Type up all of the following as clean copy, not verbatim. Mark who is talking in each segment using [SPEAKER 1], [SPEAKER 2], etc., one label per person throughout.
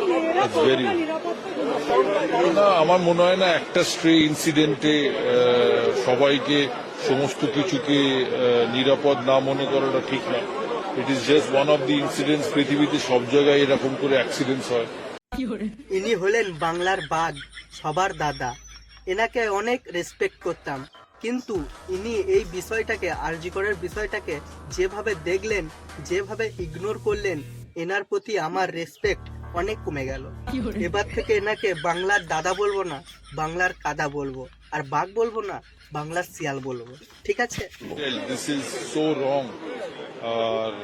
[SPEAKER 1] Very না, আমার মনে হয় না একটা স্ট্রে ইনসিডেন্টে সবাইকে সমস্ত কিছুকে নিরাপদ না মনে করাটা ঠিক না। It is just one of the incidents. পৃথিবীতে সব জায়গায় এরকম করে অ্যাক্সিডেন্টস হয়।
[SPEAKER 2] ইনি হলেন বাংলার বাঘ, সবার দাদা। এনাকে অনেক রেসপেক্ট করতাম, কিন্তু ইনি এই বিষয়টাকে, আরজি করের বিষয়টাকে যেভাবে দেখলেন, যেভাবে ইগনোর করলেন, এনার প্রতি আমার রেসপেক্ট অনেক কমে গেল। এবার থেকে এনাকে বাংলার দাদা বলবো না, বাংলার কাদা বলবো, আর বাঘ বলবো না, বাংলার শিয়াল বলবো, ঠিক আছে?
[SPEAKER 1] This is so wrong. আর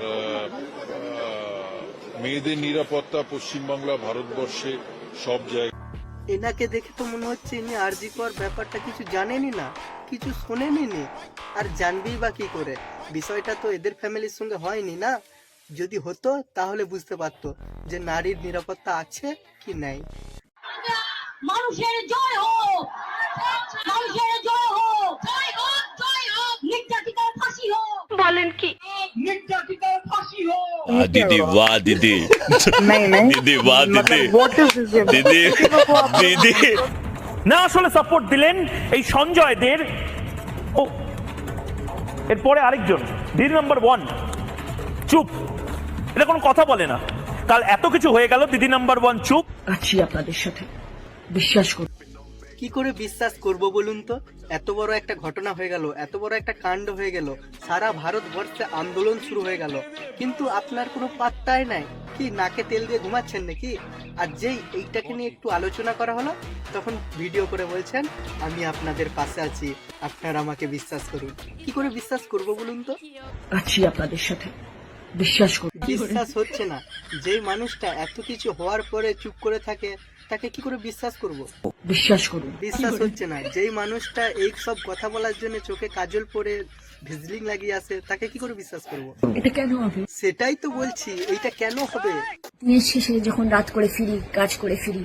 [SPEAKER 1] মেয়েদের নিরাপত্তা পশ্চিমবাংলা, ভারতবর্ষে সব জায়গায়।
[SPEAKER 2] এনাকে দেখে তো মনে হচ্ছে ইনি আরজি কর ব্যাপারটা কিছু জানেনই না, কিছু শোনেনি নি, আর জানবেই বা কি করে? বিষয়টা তো এদের ফ্যামিলির সঙ্গে হয়নি না। যদি হতো তাহলে বুঝতে পারতো যে নারীর নিরাপত্তা আছে কি নাই।
[SPEAKER 3] মানুষের জয় হোক, মানুষের জয় হোক, জয় হোক, জয় হোক, নির্যাতিতার ফাঁসি হোক। বলেন কি? নির্যাতিতার ফাঁসি হোক।
[SPEAKER 4] दीदी वाह दीदी दीदी वाह दीदी दीदी दीदी
[SPEAKER 5] না আসলে সাপোর্ট দিলেন এই সঞ্জয়দের। ও এরপরে আরেকজন দিদি নাম্বার 1 চুপ, এটা কোনো কথা বলে না। কাল এত কিছু হয়ে গেল, দিদি নাম্বার 1 চুপ।
[SPEAKER 6] আছি আপনাদের সাথে, বিশ্বাস করুন।
[SPEAKER 2] কি করে বিশ্বাস করব বলুন তো? এত বড় একটা ঘটনা হয়ে গেল, এত বড় একটা কাণ্ড হয়ে গেল, সারা ভারতবর্ষে আন্দোলন শুরু হয়ে গেল, কিন্তু আপনার কোনো পাত্তাই নাই। কি নাকে তেল দিয়ে ঘুমাচ্ছেন নাকি? আর যেই এইটাকে নিয়ে একটু আলোচনা করা হলো, তখন ভিডিও করে বলছেন আমি আপনাদের পাশে আছি, আপনারা আমাকে বিশ্বাস করুন। কি করে বিশ্বাস করব বলুন তো?
[SPEAKER 6] আছি আপনাদের সাথে, বিশ্বাস করুন।
[SPEAKER 2] বিশ্বাস হচ্ছে না। যেই মানুষটা এত কিছু হওয়ার পরে চুপ করে থাকে, তাকে কি করে বিশ্বাস করব?
[SPEAKER 6] বিশ্বাস করুন।
[SPEAKER 2] বিশ্বাস হচ্ছে না। যেই মানুষটা এই সব কথা বলার জন্য চোখে কাজল পরে ভিজলিং লাগিয়ে আসে, তাকে কি করে বিশ্বাস করব?
[SPEAKER 6] এটা কেন হবে?
[SPEAKER 2] সেটাই তো বলছি, এইটা কেন হবে?
[SPEAKER 6] দিনের শেষে যখন রাত করে ফিরি, কাজ করে ফিরি,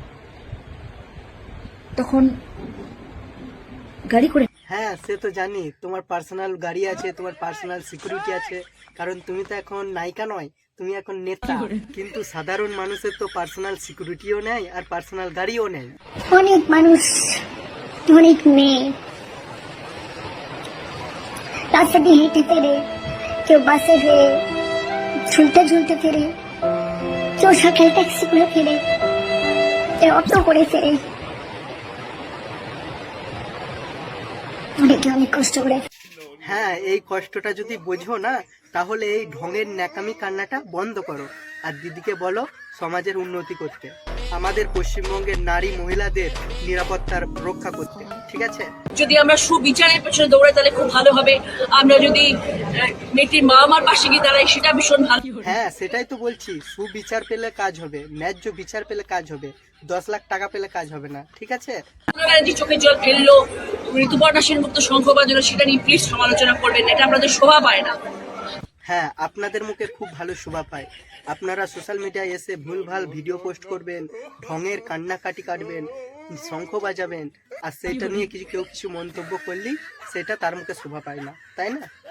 [SPEAKER 6] তখন গাড়ি করে।
[SPEAKER 2] হ্যাঁ, সে তো জানি তোমার পার্সোনাল গাড়ি আছে, তোমার পার্সোনাল সিকিউরিটি আছে, কারণ তুমি তো এখন নায়িকা নয়, তুমি এখন নেতা। কিন্তু সাধারণ মানুষের তো পার্সোনাল সিকিউরিটিও নেই আর পার্সোনাল গাড়িও নেই।
[SPEAKER 7] অনেক মানুষ, অনেক মেয়ে রাস্তা দিয়ে হেঁটে ফেরে, কেউ বাসে ফেরে, ঝুলতে ঝুলতে ফেরে, কেউ সকাল ট্যাক্সি করে ফেরে, কেউ অটো করে ফেরে, অনেকে অনেক কষ্ট করে।
[SPEAKER 2] হ্যাঁ, এই কষ্টটা যদি বোঝো না, তাহলে এই ঢঙের ন্যাকামি কান্নাটা বন্ধ করো, আর দিদিকে বলো সমাজের উন্নতি করতে, আমাদের পশ্চিমবঙ্গের নারী মহিলাদের নিরাপত্তার রক্ষা করতে, ঠিক আছে?
[SPEAKER 3] যদি আমরা সুবিচারের পেছনে দৌড়াই তাহলে খুব ভালো হবে। আমরা যদি মেয়েটির মা আমার পাশে গিয়ে দাঁড়াই, সেটা ভীষণ ভালো।
[SPEAKER 2] হ্যাঁ, সেটাই তো বলছি, সুবিচার পেলে কাজ হবে, ন্যায্য বিচার পেলে কাজ হবে, 10 লাখ টাকা পেলে কাজ হবে না, ঠিক আছে?
[SPEAKER 3] ব্যানার্জি চোখে জল ফেললো, ঋতুপর্ণা সেনগুপ্ত শঙ্খ বাজলো, সেটা নিয়ে প্লিজ সমালোচনা করবেন, এটা আপনাদের শোভা পায় না।
[SPEAKER 2] হ্যাঁ, আপনাদের মুখে খুব ভালো শোভা পায়। আপনারা সোশ্যাল মিডিয়ায় এসে ভুলভাল ভিডিও পোস্ট করবেন, ঢঙের কান্নাকাটি কাটবেন, শঙ্খ বাজাবেন, আর সেইটা নিয়ে কেউ কিছু মন্তব্য করলেই সেটা তার মুখে শোভা পায় না, তাই না?